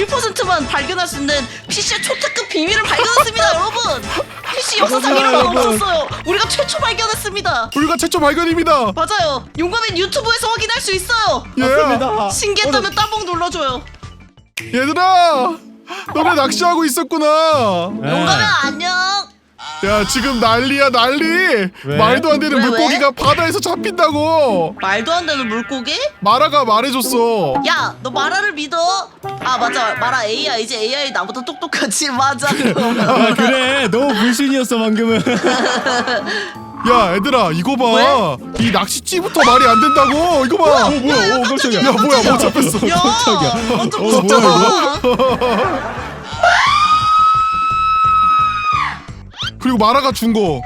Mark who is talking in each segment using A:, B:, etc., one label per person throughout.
A: 1%만 발견할 수 있는 PC의 초특급 비밀을 발견했습니다. 여러분, PC 역사상 이런 건 없었어요. 우리가 최초 발견했습니다.
B: 우리가 최초 발견입니다.
A: 맞아요. 용감인 유튜브에서 확인할 수 있어요.
C: 맞습니다.
A: 신기했다면 따봉 눌러줘요.
B: 얘들아, 너네 낚시하고 있었구나.
A: 용감인 안녕.
B: 야, 지금 난리야 난리.
C: 왜?
B: 말도 안 되는
A: 왜?
B: 물고기가 바다에서 잡힌다고.
A: 말도 안 되는 물고기?
B: 마라가 말해줬어.
A: 야, 너 마라를 믿어? 아, 맞아. 마라 AI. 이제 AI 나보다 똑똑하지. 맞아. 그럼.
C: 아 그래 너무 불신이었어 방금은.
B: 야, 얘들아, 이거 봐. 이 낚싯찌부터 말이 안 된다고. 이거 봐.
C: 뭐야 깜짝이야.
B: 야, 뭐야, 뭐 잡혔어.
A: 야,
C: 깜짝이야.
A: 완전
C: 뭐야,
A: 무섭잖아.
B: 그리고 마라가 준 거.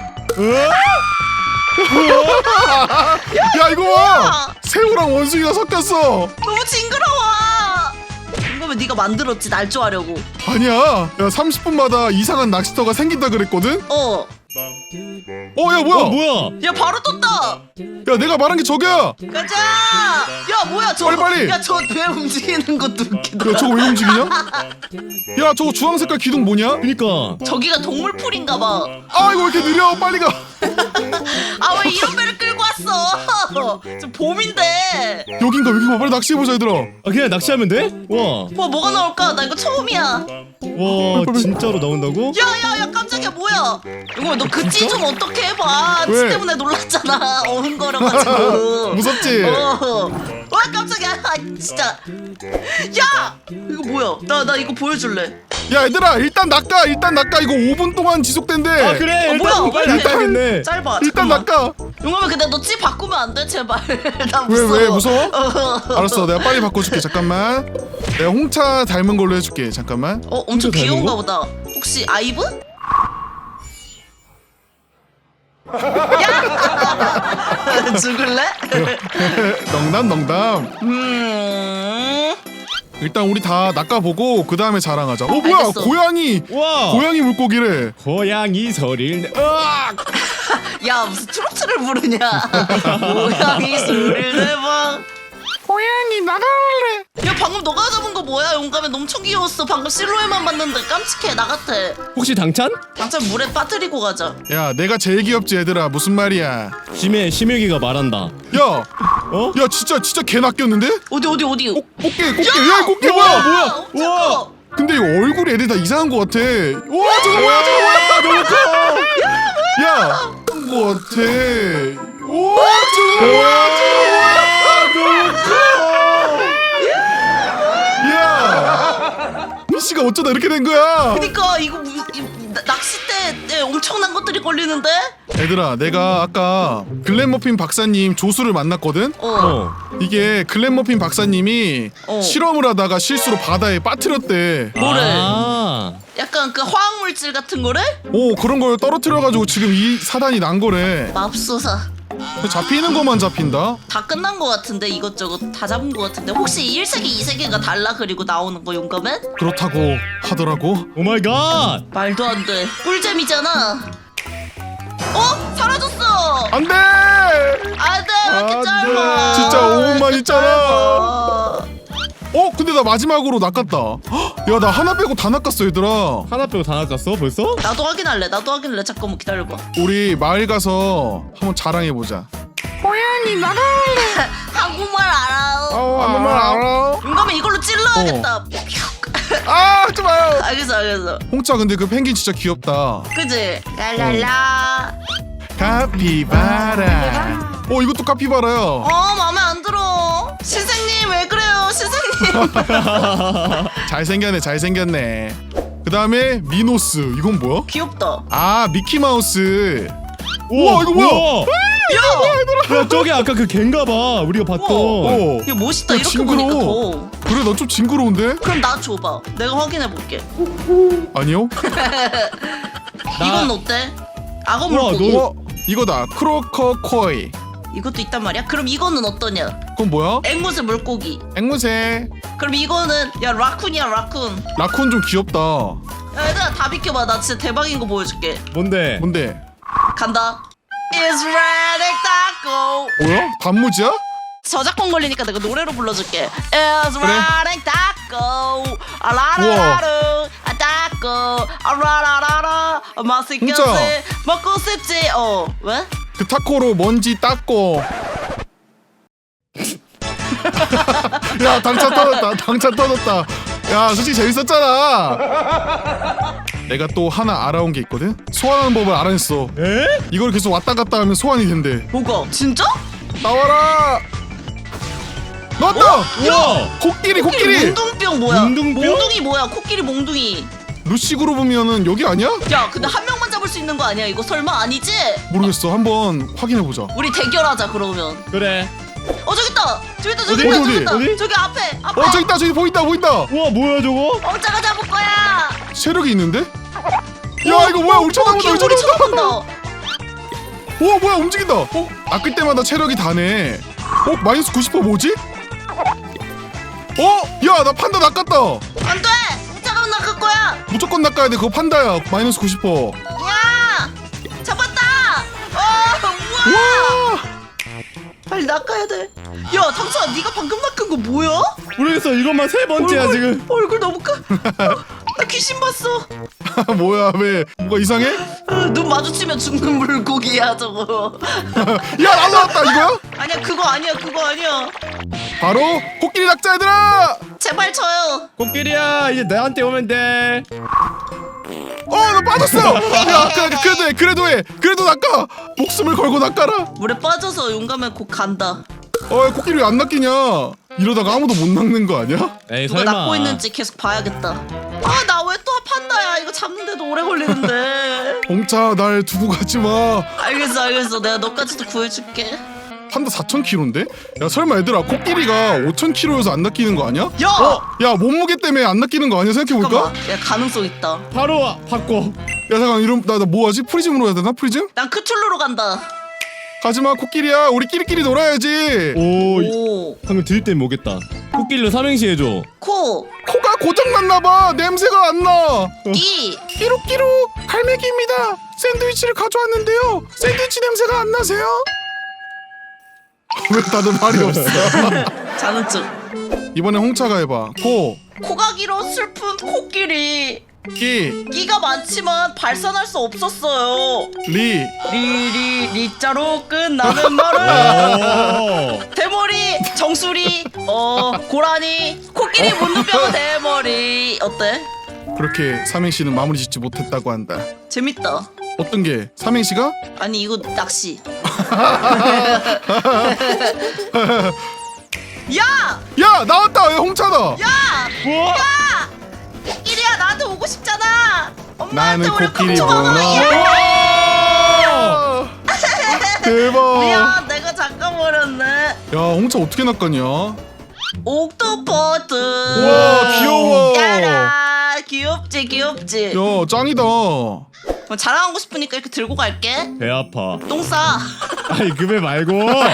B: 야, 이거 봐. 새우랑 원숭이가 섞였어.
A: 너무 징그러워. 이거면 네가 만들었지, 날 좋아하려고.
B: 아니야. 야, 30분마다 이상한 낚시터가 생긴다 그랬거든?
A: 어.
B: 야, 뭐야?
C: 뭐야?
A: 야, 바로 떴다.
B: 야, 내가 말한 게 저거야.
A: 가자. 야, 뭐야, 저거.
B: 빨리.
A: 야, 저 배 움직이는 것도 웃기다.
B: 야, 저거 왜 움직이냐? 야, 저거 주황 색깔 기둥 뭐냐?
C: 그니까.
A: 저기가 동물풀인가 봐.
B: 아, 이거 왜 이렇게 느려? 빨리 가.
A: 아, 왜 이런 배를 끌고 왔어? 저 봄인데.
B: 여긴가, 여긴가. 빨리 낚시해보자, 얘들아.
C: 아 그냥 낚시하면 돼? 와.
A: 뭐가 나올까? 나 이거 처음이야.
C: 와 진짜로 나온다고?
A: 야, 깜짝이야, 뭐야? 이거 너 그찌 좀 어떻게 해봐. 치
B: 왜?
A: 때문에 놀랐잖아. 어흥거려가지고.
B: 무섭지?
A: 와, 깜짝이야. 아, 진짜. 야! 이거 뭐야? 나 이거 보여줄래.
B: 야, 얘들아, 일단 낚아. 이거 5분 동안 지속된대.
C: 아 그래 일단
A: 뭐야?
C: 빨리
A: 왜?
C: 낚아야겠네.
A: 짧아.
B: 일단
A: 잠깐만.
B: 낚아.
A: 용감해, 근데 너 찌 바꾸면 안 돼? 제발. 나
B: 왜,
A: 무서워.
B: 왜, 무서워? 알았어, 내가 빨리 바꿔줄게. 잠깐만. 내가 홍차 닮은 걸로 해줄게. 잠깐만.
A: 엄청
C: 진짜 닮은
A: 귀여운가
C: 거?
A: 보다. 혹시 아이브? 야! 죽을래?
B: 농담. 일단 우리 다 낚아보고 그 다음에 자랑하자. 뭐야?
A: 알겠어.
B: 고양이.
C: 와.
B: 고양이 물고기래.
C: 고양이 소리를 내. 으악!
A: 야, 무슨 트로트를 부르냐? 고양이 소리를 내봐.
B: 고양이 나갈래.
A: 야, 방금 너가 잡은 거 뭐야? 용감해, 엄청 귀여웠어. 방금 실루엣만 봤는데 깜찍해. 나 같아.
C: 혹시 당찬?
A: 당장 물에 빠뜨리고 가자.
B: 야, 내가 제일 귀엽지, 얘들아. 무슨 말이야?
C: 심혁이가 말한다.
B: 야,
C: 어?
B: 야, 진짜 개 낚였는데?
A: 어디?
B: 꽃게. 야, 꽃게 뭐야?
A: 엄청 커.
B: 근데 이거 얼굴이 애들 다 이상한 거 같아. 와, 저거 뭐야?
C: 너무 커.
B: 야, 거 같아. 와, 저거 뭐야? 야, PC가 어쩌다 이렇게 된 거야?
A: 그니까 이거 낚싯대에 엄청난 것들이 걸리는데?
B: 얘들아, 내가 아까 글렌머핀 박사님 조수를 만났거든? 이게 글렌머핀 박사님이 실험을 하다가 실수로 바다에 빠뜨렸대.
A: 뭐래?
C: 아.
A: 약간 그 화학물질 같은 거래?
B: 오, 그런 걸 떨어뜨려가지고 지금 이 사단이 난 거래.
A: 맙소사.
B: 잡히는 것만 잡힌다?
A: 다 끝난 거 같은데, 이것저것 다 잡은 거 같은데. 혹시 1세계 2세계가 달라? 그리고 나오는 거 용감해?
B: 그렇다고 하더라고.
C: 오 마이 갓.
A: 말도 안 돼. 꿀잼이잖아. 사라졌어.
B: 안 돼!
A: 안 돼. 왜 이렇게
B: 안
A: 짧아?
B: 돼. 진짜 5분만
A: 왜 이렇게
B: 있잖아.
A: 짧아?
B: 근데 나 마지막으로 낚았다. 야, 나 하나 빼고 다 낚았어, 얘들아.
C: 하나 빼고 다 낚았어 벌써?
A: 나도 확인할래. 잠깐만 기다려봐.
B: 우리 마을 가서 한번 자랑해보자. 고양이 나갈래.
A: 한국말 알아.
B: 아무 말 알아?
A: 용감해, 이걸로 찔러야겠다.
B: 아, 하지 마요.
A: 알겠어.
B: 홍차, 근데 그 펭귄 진짜 귀엽다.
A: 그지? 랄랄라.
B: 카피바라. 이것도 카피바라야.
A: 마음에 안 들어. 선생님, 왜 그래요, 선생님?
B: 잘생겼네. 그 다음에 미노스. 이건 뭐야?
A: 귀엽다.
B: 아, 미키마우스. 우와, 이거 뭐야?
C: 야 저게 아까 그 갠가봐 우리가 봤던.
A: 이거 멋있다.
B: 야,
A: 이렇게
B: 징그러워.
A: 보니까 더.
B: 그래, 넌 좀 징그러운데?
A: 그럼 나 줘봐. 내가 확인해 볼게.
B: 아니요?
A: 이건 어때? 악어
C: 우와,
A: 물고기.
C: 너-
B: 이거다. 크로커 코이.
A: 이것도 있단 말이야? 그럼 이거는 어떠냐?
B: 그건 뭐야?
A: 앵무새 물고기.
B: 앵무새.
A: 그럼 이거는 라쿤이야, 라쿤.
B: 라쿤 좀 귀엽다.
A: 야, 얘들아, 다 비켜봐. 나 진짜 대박인 거 보여줄게.
C: 뭔데?
B: 뭔데?
A: 간다. It's ready to go.
B: 뭐야? 단무지야?
A: 저작권 걸리니까 내가 노래로 불러줄게. It's
B: 그래.
A: ready to 따고 라라라루 따고 라라라라 맛있겠지
B: 진짜.
A: 먹고 싶지. 왜?
B: 그 타코로 먼지 닦고. 야 당찬 터졌다. 야 솔직히 재밌었잖아. 내가 또 하나 알아온 게 있거든. 소환하는 법을 알아냈어.
C: 에?
B: 이걸 계속 왔다 갔다 하면 소환이 된대.
A: 뭐가? 진짜?
B: 나와라. 나왔다.
C: 우와!
B: 코끼리.
A: 몽둥병 뭐야?
C: 몽둥병?
A: 몽둥이 뭐야? 코끼리 몽둥이.
B: 루식으로 보면은 여기 아니야?
A: 야 근데 한 명만 잡을 수 있는 거 아니야? 이거 설마 아니지?
B: 모르겠어. 한번 확인해 보자.
A: 우리 대결하자 그러면.
C: 그래.
A: 저기 있다. 저기 있다.
B: 어디?
C: 어디?
A: 저기 앞에.
B: 저기 있다. 저기 보인다.
C: 우와 뭐야 저거?
A: 엉자가 잡을 거야.
B: 체력이 있는데? 야 이거 뭐야? 우리 쳐다본다.
A: 우리 쳐다본다.
B: 오 뭐야 움직인다. 낚을 때마다 체력이 다네. 마이너스 90% 뭐지? 야 나 판다 낚았다.
A: 안돼. 엉자가 낚을 거야.
B: 무조건 낚아야 돼. 그거 판다야. 마이너스 90%.
A: 야 잡았다. 우와.
B: 와.
A: 빨리 낚아야 돼. 야 당수아 네가 방금 낚은 거 뭐야?
C: 모르겠어. 이것만 세 번째야 지금.
A: 얼굴 너무 커. 나 귀신 봤어.
B: 뭐야 왜? 뭐가 이상해?
A: 눈 마주치면 죽는 물고기야 저거.
B: 야 날라왔다 이거야?
A: 아니야 그거 아니야.
B: 바로 코끼리 낚자 얘들아.
A: 제발 쳐요.
C: 코끼리야 이제 나한테 오면 돼.
B: 나 빠졌어. 야 그래도 해. 그래도 낚아. 목숨을 걸고 낚아라.
A: 물에 빠져서 용감해 곧 간다.
B: 코끼리 왜 안 낚이냐? 이러다가 아무도 못 낚는 거 아니야?
C: 에이
A: 누가
C: 설마.
A: 낚고 있는지 계속 봐야겠다. 나 왜 또 판다야? 이거 잡는데도 오래 걸리는데.
B: 홍차 날 두고 가지 마.
A: 알겠어. 내가 너까지도 구해줄게.
B: 판다 4,000kg인데? 야 설마 얘들아 코끼리가 5,000kg여서 안 낚이는 거 아니야?
A: 야!
B: 야 몸무게 때문에 안 낚이는 거 아니야? 생각해볼까?
A: 잠깐만. 야 가능성 있다.
C: 바로 바꿔.
B: 야 잠깐 이럼 나 뭐하지? 프리즘으로 해야 되나? 프리즘?
A: 난 크툴루로 간다.
B: 가지마 코끼리야. 우리 끼리끼리 놀아야지.
C: 오. 방금 들을 땐 뭐겠다. 코끼리로 삼행시 해줘.
A: 코,
B: 코가 고장났나봐. 냄새가 안 나.
A: 끼.
B: 끼룩끼룩 갈매기입니다. 샌드위치를 가져왔는데요. 샌드위치 냄새가 안 나세요? 왜 다들 말이 없어?
A: 자는 척.
B: 이번에 홍차가 해봐. 코,
A: 코가 길어 슬픈 코끼리. 끼가 많지만 발산할 수 없었어요. 리자로 끝나는 말은
C: 오.
A: 대머리, 정수리, 고라니, 코끼리 문둥병 대머리. 어때?
B: 그렇게 삼행시는 마무리 짓지 못했다고 한다.
A: 재밌다.
B: 어떤 게? 삼행시가?
A: 아니 이거 낚시. 야!
B: 나왔다. 야, 홍차다.
A: 야!
C: 우와.
A: 코끼리야 나한테 오고 싶잖아. 엄마한테
B: 나는
A: 우리
B: 코끼리구나.
A: 야!
B: 대박.
A: 미안 내가 잠깐버렸네.
B: 야 홍차 어떻게 낚았냐?
A: 옥토퍼드.
B: 와 귀여워.
A: 야라 귀엽지.
B: 야 짱이다.
A: 자랑하고 싶으니까 이렇게 들고 갈게.
C: 배 아파.
A: 똥 싸.
C: 아니 그 배 말고.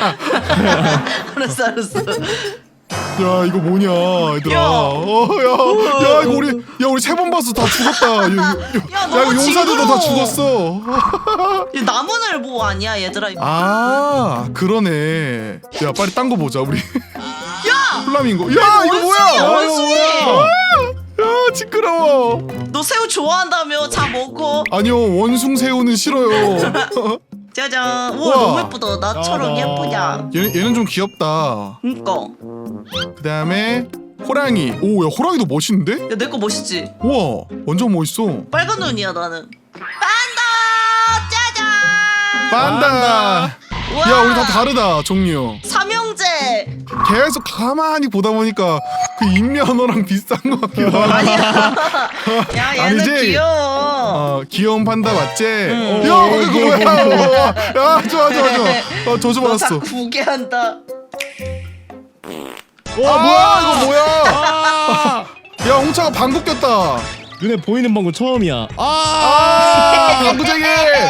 A: 알았어.
B: 야 이거 뭐냐 얘들아.
A: 야.
B: 야 이거 우리 3번 봤어. 다 죽었다. 야
A: 너무
B: 이거 용사들도 다
A: 징그러워.
B: 죽었어.
A: 이 나무늘보 아니야 얘들아.
B: 아 그러네. 야 빨리 딴 거 보자 우리.
A: 야!
B: 플라밍고. 야 이거 뭐야?
A: 원숭이.
B: 야 시끄러워.
A: 너 새우 좋아한다며? 자 먹어.
B: 아니요 원숭 새우는 싫어요.
A: 짜잔. 우와
B: 우와.
A: 너무 예쁘다. 나처럼 예쁘냐?
B: 얘는 좀 귀엽다.
A: 그니까.
B: 그 다음에 호랑이. 오 야 호랑이도 멋있는데?
A: 야 내 거 멋있지?
B: 우와 완전 멋있어.
A: 빨간 눈이야 나는. 판다! 짜잔!
B: 판다.
A: 우와.
B: 야 우리 다 다르다 종류.
A: 삼형제.
B: 계속 가만히 보다 보니까 그 인면허랑 비슷한 것 같기도 하고.
A: 아니야. 야 얘는
B: 아니지?
A: 귀여워.
B: 귀여운 판다 맞지?
A: 응.
B: 야 그거 뭐야? 야 좋아. 저주
A: 너
B: 받았어.
A: 자꾸 무게한다.
B: 뭐야 이거 뭐야?
C: 아.
B: 야 홍차가 방구 꼈다.
C: 눈에 보이는 방금 처음이야.
B: 방구쟁이.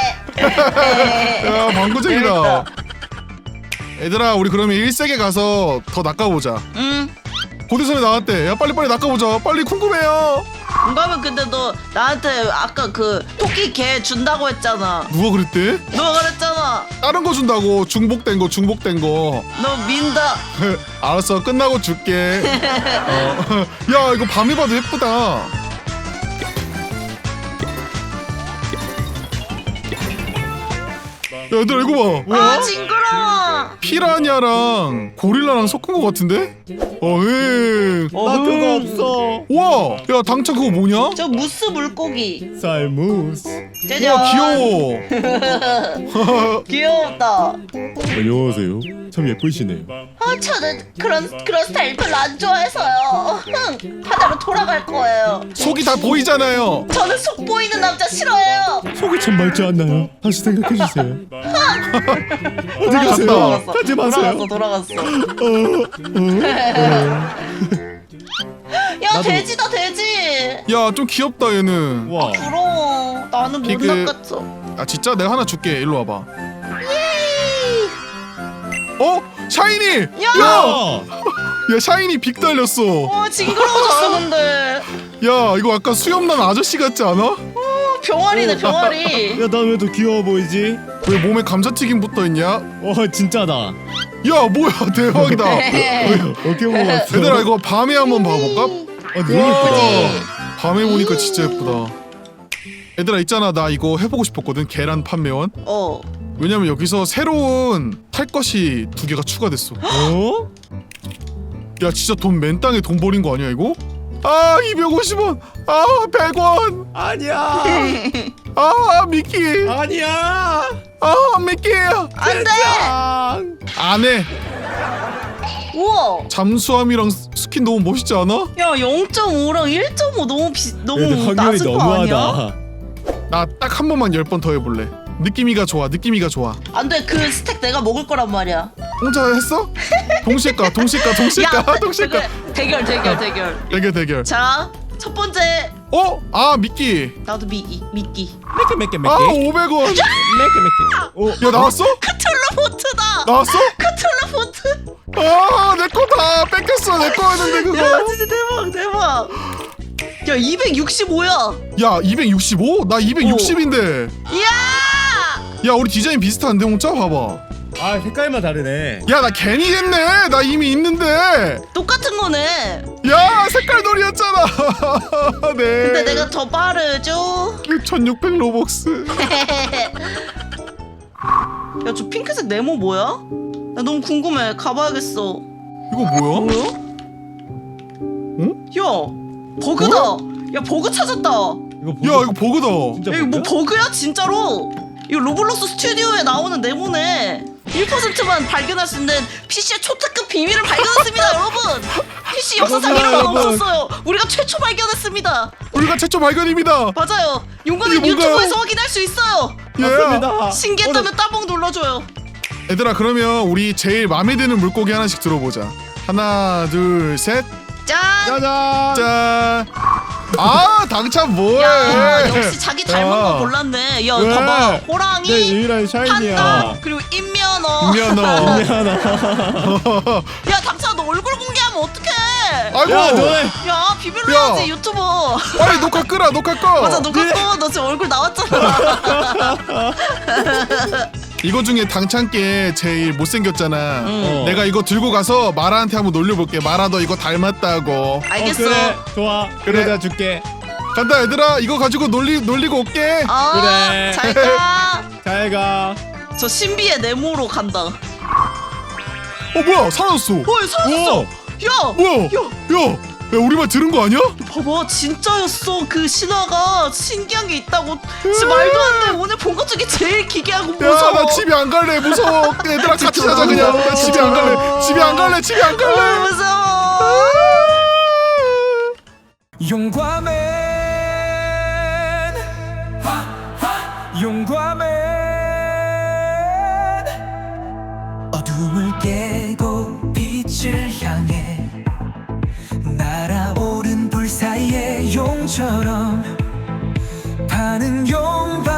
B: 야 방구쟁이다. 얘들아 우리 그러면 1세계 가서 더 낚아보자.
A: 응.
B: 고대선에 나왔대. 야 빨리 낚아보자. 빨리 궁금해요.
A: 용감은 근데 너 나한테 아까 그 토끼 개 준다고 했잖아.
B: 누가 그랬대?
A: 너가 그랬잖아.
B: 다른 거 준다고. 중복된 거.
A: 너 민다.
B: 알았어, 끝나고 줄게. 야, 이거 밤에 봐도 예쁘다. 야, 얘들아 이거 봐.
A: 아 징그러워.
B: 피라냐랑 고릴라랑 섞은 거 같은데? 응.
C: 나 그거 없어.
B: 와, 야 당찬 그거 뭐냐?
A: 저 무스 물고기.
C: 쌀무스.
A: 짜잔.
B: 와, 귀여워.
A: 귀엽다.
C: 안녕하세요. 참 예쁘시네요.
A: 저는 그런 스타일 별로 안 좋아해서요. 바다로 돌아갈 거예요.
B: 속이 다 보이잖아요.
A: 저는 속 보이는 남자 싫어해요.
C: 속이 참 맑지 않나요? 다시 생각해 주세요. 어디 가세요?
A: 돌아갔어.
C: 가지 마세요.
A: 돌아갔어. 야
C: 나도.
A: 돼지다 돼지.
B: 야, 좀 귀엽다 얘는.
C: 와.
A: 부러워. 나는 못
B: 피그.
A: 낚았어.
B: 아 진짜 내가 하나 줄게. 일로 와봐. 어? 샤이니!
A: 야!
B: 야, 샤이니 빅 달렸어.
A: 징그러워졌어 근데.
B: 야, 이거 약간 수염난 아저씨 같지 않아?
A: 병아리네 병아리.
C: 야, 난 왜 더 귀여워 보이지?
B: 왜 몸에 감자튀김 붙어있냐?
C: 진짜다.
B: 야, 뭐야, 대박이다.
C: 어떻게 먹었어?
B: 얘들아, 이거 밤에 한번 봐볼까?
C: 너무 예쁘다.
B: 밤에 보니까 진짜 예쁘다. 얘들아, 있잖아, 나 이거 해보고 싶었거든. 계란 판매원. 왜냐면 여기서 새로운 탈 것이 2개가 추가됐어.
C: 어?
B: 야, 진짜 돈 맨땅에 돈 버린 거 아니야 이거? 아, 250원. 아, 100원.
C: 아니야.
B: 아, 미끼.
C: 아니야.
B: 아, 미끼.
A: 안돼.
B: 안 해.
A: 우와.
B: 잠수함이랑 스킨 너무 멋있지 않아?
A: 야 0.5랑 1.5 너무
C: 얘들 확률이
A: 낮은 거 아니야?
C: 너무하다.
B: 나 딱 한 번만 10번 더 해볼래. 느낌이가 좋아. 느낌이가 좋아.
A: 안돼 그 스택 내가 먹을 거란 말이야.
B: 혼자 했어? 동시에 까. 동시에 까. 동시에 까.
A: 대결.
B: 대결.
A: 자 첫 번째.
B: 어? 아, 미끼.
A: 나도 미끼.
C: 맥게.
B: 아, 500원.
C: 맥게.
B: 야, 나왔어?
A: 크툴루포트다.
B: 나왔어?
A: 크툴루포트.
B: 아, 내 거다. 뺏겼어. 내 거였는데 그거.
A: 야 진짜 대박. 야 265야.
B: 야, 265? 나 260인데.
A: 이야.
B: 야, 우리 디자인 비슷한데, 홍짜? 봐봐.
C: 색깔만 다르네.
B: 야, 나 괜히 했네. 나 이미 있는데.
A: 똑같은 거네.
B: 야, 색깔 놀이였잖아. 네.
A: 근데 내가 더 빠르죠.
B: 1600 로벅스.
A: 야 저 핑크색 네모 뭐야? 나 너무 궁금해. 가봐야겠어.
B: 이거 뭐야? 응?
A: 야 버그다. 야 버그 찾았다.
B: 야, 이거 버그다.
C: 진짜
A: 야, 이거 뭐 버그야 진짜로? 이거 로블록스 스튜디오에 나오는 네모네. 1%만 발견할 수 있는 PC의 초특급 비밀을 발견했습니다, 여러분. PC 역사상 이런 건
C: 여러분.
A: 없었어요. 우리가 최초 발견했습니다.
B: 우리가 최초 발견입니다.
A: 맞아요. 용감은
B: 이게 뭔가요?
A: 유튜브에서 확인할 수 있어요.
C: 맞습니다.
A: 신기했다면 따봉 눌러줘요.
B: 얘들아, 그러면 우리 제일 마음에 드는 물고기 하나씩 들어보자. 하나, 둘, 셋.
A: 짠.
C: 짜잔.
B: 짠. 아, 당찬 뭐해?
A: 야 역시 자기 닮은
C: 야.
A: 거 골랐네. 야
C: 왜?
A: 봐봐. 호랑이,
C: 내 유일한 샤이니야.
A: 판다, 그리고 인면허.
B: 미안해.
C: 미안하다.
A: 야 당찬아 너 얼굴 공개하면 어떡해?
B: 아이고.
C: 야, 너네.
A: 야 비밀로
B: 야.
A: 해야지 유튜버.
B: 빨리 녹화 끄라. 녹화 꺼.
A: 맞아 너 그거 너 지금 얼굴 나왔잖아.
B: 이거 중에 당찬께 제일 못생겼잖아.
C: 어.
B: 내가 이거 들고 가서 마라한테 한번 놀려볼게. 마라 너 이거 닮았다고.
A: 알겠어.
C: 그래. 좋아.
B: 그래.
C: 그래. 다 줄게.
B: 간다 얘들아. 이거 가지고 놀리고 올게.
C: 그래.
A: 잘 가.
C: 잘 가.
A: 저 신비의 네모로 간다.
B: 뭐야, 사라졌어.
A: 사라졌어.
C: 오.
A: 야.
B: 뭐야? 야, 우리 말 들은 거 아니야?
A: 봐봐 진짜였어. 그 신화가 신기한 게 있다고. 진짜 말도 안 돼. 오늘 본 것 중에 제일 기괴하고
B: 야,
A: 무서워.
B: 나 집에 안 갈래. 무서워. 얘들아 같이 자자 그냥. 나 집에 안 갈래. 집에 안 갈래.
A: 무서워.
D: 용과맨 어둠을 깨고 빛을 향해 날아오른 불 사이의 용처럼 파는 용과